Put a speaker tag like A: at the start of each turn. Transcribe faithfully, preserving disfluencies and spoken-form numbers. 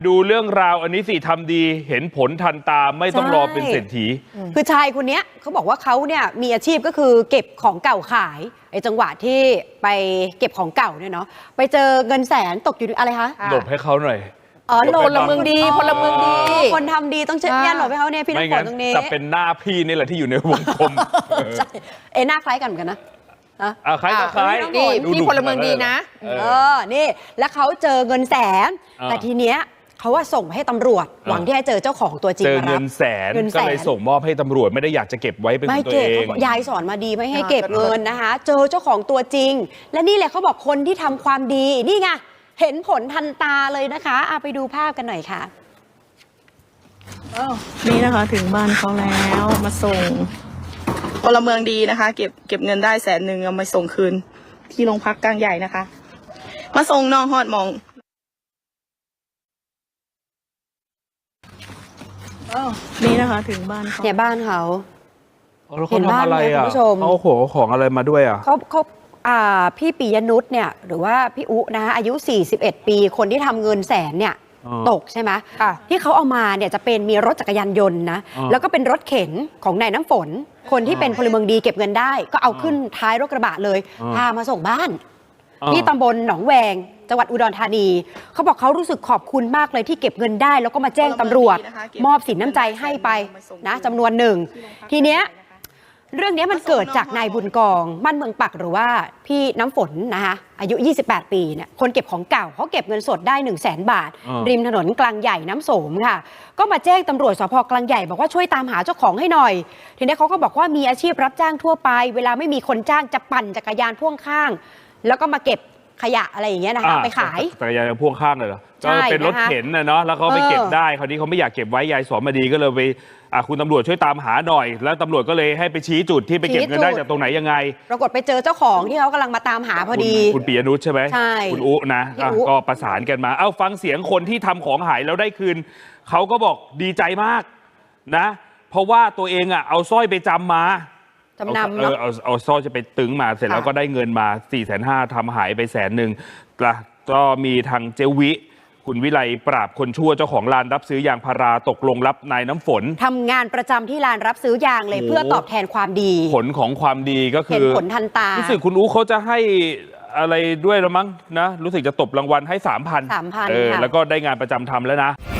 A: ดูเรื่องราวอันนี้สิทำดีเห็นผลทันตาไม่ต้องรอเป็นเศรษฐี
B: คือชายคนนี้เขาบอกว่าเขาเนี่ยมีอาชีพก็คือเก็บของเก่าขายไอ้จังหวะที่ไปเก็บของเก่าเนี่ยเนาะไปเจอเงินแสนตกอยู่อะไรคะ
A: หลบให้เขาหน่อย
B: อ๋อ
C: พลเมืองดีพลเมืองดี
B: คนทำดีต้องเช็ดยันหลบให้เขาเนี่ยพี่น้ำฝนตรงนี้
A: แต่เป็นหน้าพี่นี่แหละที่อยู่ในวงกลม
B: ใช่เอ้หน้าคล้ายกันเหมือนกันนะ
A: อ่าคล้ายก็คล้าย
C: นี่พี่พลเมืองดีนะ
B: เออนี่แล้วเขาเจอเงินแสนแต่ทีเนี้ยเขาว่าส่งให้ตำรวจหวังที่จะเจอเจ้าของตัวจริง
A: เจอเงินแสนก็เลยส่งมอบให้ตำรวจไม่ได้อยากจะเก็บไว้เป็นของตัวเอง
B: ยายสอนมาดีไม่ให้เก็บเงินนะคะเจอเจ้าของตัวจริงและนี่แหละเขาบอกคนที่ทำความดีนี่ไงเห็นผลทันตาเลยนะคะเอาไปดูภาพกันหน่อยค่ะ
D: นี่นะคะถึงบ้านเขาแล้วมาส่งพลเมืองดีนะคะเก็บเก็บเงินได้แสนหนึ่งเอามาส่งคืนที่โรงพักกลางใหญ่นะคะมาส่งน้องฮอดมองนี่นะคะถึงบ้านเขา
B: เนี่ยบ้านเขา
A: เห็นบ้านอะไรอ่ะเขาโขของอะไรมาด้วยอ่ะ
B: เขาเขาอ่าพี่ปิยนุชเนี่ยหรือว่าพี่อุนะคะอายุสี่สิบเอ็ดปีคนที่ทำเงินแสนเนี่ยตกใช่ไหมที่เขาเอามาเนี่ยจะเป็นมีรถจักรยานยนต์นะแล้วก็เป็นรถเข็นของนายน้ำฝนคนที่เป็นพลเมืองดีเก็บเงินได้ก็เอาขึ้นท้ายรถกระบะเลยพามาส่งบ้านที่ตำบลหนองแวงจังหวัดอุดรธานีเขาบอกเขารู้สึกขอบคุณมากเลยที่เก็บเงินได้แล้วก็มาแจ้งตำรวจมอบสินน้ำใจให้ไปนะจำนวนหนึ่งทีเนี้ยเรื่องนี้มันเกิดจากนายบุญกองมั่นเมืองปักหรือว่าพี่น้ำฝนนะคะอายุยี่สิบแปดปีเนี่ยคนเก็บของเก่าเขาเก็บเงินสดได้ หนึ่งแสน บาทริมถนนกลางใหญ่น้ำโสมค่ะก็มาแจ้งตำรวจสภ.กลางใหญ่บอกว่าช่วยตามหาเจ้าของให้หน่อยทีนี้เขาก็บอกว่ามีอาชีพรับจ้างทั่วไปเวลาไม่มีคนจ้างจะปั่นจักรยานพ่วงข้างแล้วก็มาเก็บขยะอะไรอย่างเงี้ยนะคะไปขาย
A: จักรยานพ่วงข้างเลยเหรอก็เป็นรถเข็นนะเนาะแล้วเขาไปเก็บได้คราวนี้เขาไม่อยากเก็บไว้ยายสอนมาดีก็เลยไปคุณตำรวจช่วยตามหาหน่อยแล้วตำรวจก็เลยให้ไปชี้จุดที่ไปเก็บเงินได้จากตรงไหนยังไง
B: ปรากฏไปเจอเจ้าของที่เขากำลังมาตามหาพอดี
A: คุณปิยนุชใช่ไหม
B: ใช่
A: คุณอุนะก็ประสานกันมาเอ้าฟังเสียงคนที่ทำของหายแล้วได้คืนเขาก็บอกดีใจมากนะเพราะว่าตัวเองอ่ะเอาสร้อยไปจำมา
B: จำนำ
A: เออเอาเอาสร้อยจะไปตึงมาเสร็จแล้วก็ได้เงินมา สี่แสนห้า ทำหายไปแสนหนึ่งก็มีทางเจวิคุณวิไลปราบคนชั่วเจ้าของลานรับซื้อยางพาราตกลงรับนายน้ำฝน
B: ทำงานประจำที่ลานรับซื้อยางเลยเพื่อตอบแทนความดี
A: ผลของความดีก็คือ
B: เห็นผลทันตา
A: รู้สึกคุณอู๋เขาจะให้อะไรด้วยละมั้งนะรู้สึกจะตบรางวัลให้ สามพัน
B: สามพัน
A: เออแล้วก็ได้งานประจำทำแล้วนะ